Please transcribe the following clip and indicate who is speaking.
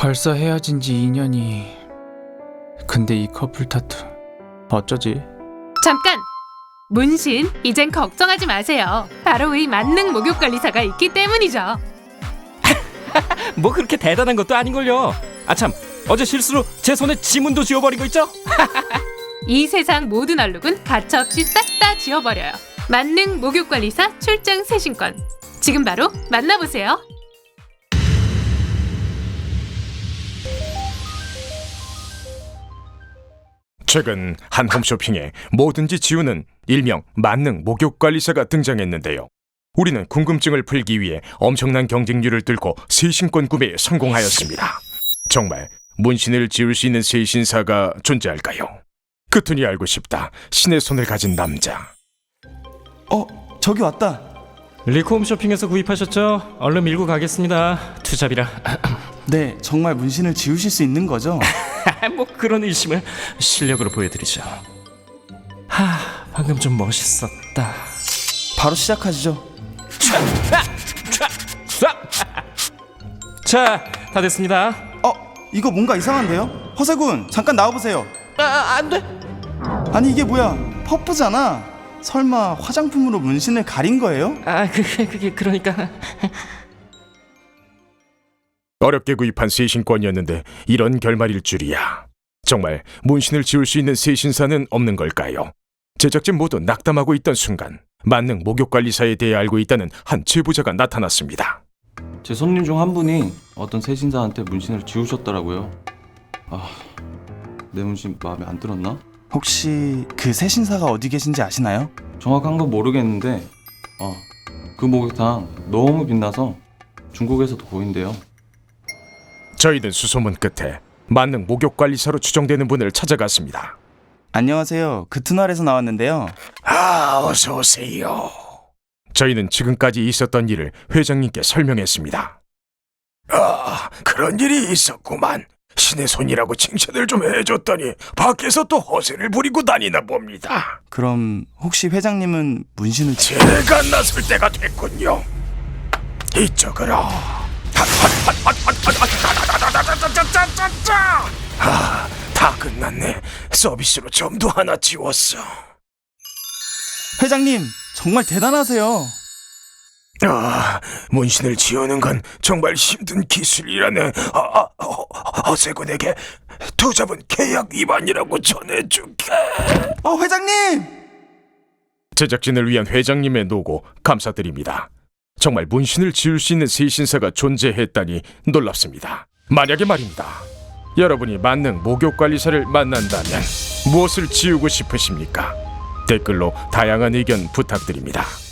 Speaker 1: 벌써 헤어진 지 2년이. 근데 이 커플 타투 어쩌지?
Speaker 2: 잠깐! 문신, 이젠 걱정하지 마세요. 바로 이 만능 목욕관리사가 있기 때문이죠.
Speaker 3: 뭐 그렇게 대단한 것도 아닌걸요. 아참, 어제 실수로 제 손에 지문도 지워버린 거 있죠?
Speaker 2: 이 세상 모든 얼룩은 가차없이 싹 다 지워버려요. 만능 목욕관리사 출장 세신권. 지금 바로 만나보세요.
Speaker 4: 최근 한 홈쇼핑에 뭐든지 지우는 일명 만능 목욕관리사가 등장했는데요. 우리는 궁금증을 풀기 위해 엄청난 경쟁률을 뚫고 세신권 구매에 성공하였습니다. 정말 문신을 지울 수 있는 세신사가 존재할까요? 그토니 알고 싶다. 신의 손을 가진 남자.
Speaker 5: 저기 왔다.
Speaker 3: 리코 홈쇼핑에서 구입하셨죠? 얼른 밀고 가겠습니다. 투잡이라.
Speaker 5: 네, 정말 문신을 지우실 수 있는 거죠?
Speaker 3: 뭐 그런 의심을 실력으로 보여드리죠. 방금 좀 멋있었다.
Speaker 5: 바로 시작하시죠.
Speaker 3: 자, 다 됐습니다.
Speaker 5: 이거 뭔가 이상한데요? 허세군, 잠깐 나와보세요.
Speaker 3: 안 돼.
Speaker 5: 아니 이게 뭐야? 퍼프잖아. 설마 화장품으로 문신을 가린 거예요?
Speaker 3: 그게 그러니까.
Speaker 4: 어렵게 구입한 세신권이었는데 이런 결말일 줄이야. 정말 문신을 지울 수 있는 세신사는 없는 걸까요? 제작진 모두 낙담하고 있던 순간 만능 목욕관리사에 대해 알고 있다는 한 제보자가 나타났습니다.
Speaker 6: 제 손님 중 한 분이 어떤 세신사한테 문신을 지우셨더라고요. 내 문신 마음에 안 들었나?
Speaker 5: 혹시 그 세신사가 어디 계신지 아시나요?
Speaker 6: 정확한 건 모르겠는데 그 목욕탕 너무 빛나서 중국에서도 보인대요.
Speaker 4: 저희는 수소문 끝에 만능 목욕관리사로 추정되는 분을 찾아갔습니다.
Speaker 5: 안녕하세요. 그트날에서 나왔는데요.
Speaker 4: 어서 오세요. 저희는 지금까지 있었던 일을 회장님께 설명했습니다. 그런 일이 있었구만. 신의 손이라고 칭찬을 좀 해줬더니 밖에서 또 허세를 부리고 다니나 봅니다.
Speaker 5: 그럼 혹시 회장님은 문신을
Speaker 4: 제가 나설 때가 됐군요. 이쪽으로. 다 끝났네. 서비스로 점도 하나 지웠어.
Speaker 5: 회장님, 정말 대단하세요.
Speaker 4: 문신을 지우는 건 정말 힘든 기술이라네. 허세군에게 투잡은 계약 위반이라고 전해줄게.
Speaker 5: 회장님!
Speaker 4: 제작진을 위한 회장님의 노고 감사드립니다. 정말 문신을 지울 수 있는 세신사가 존재했다니 놀랍습니다. 만약에 말입니다. 여러분이 만능 목욕관리사를 만난다면 무엇을 지우고 싶으십니까? 댓글로 다양한 의견 부탁드립니다.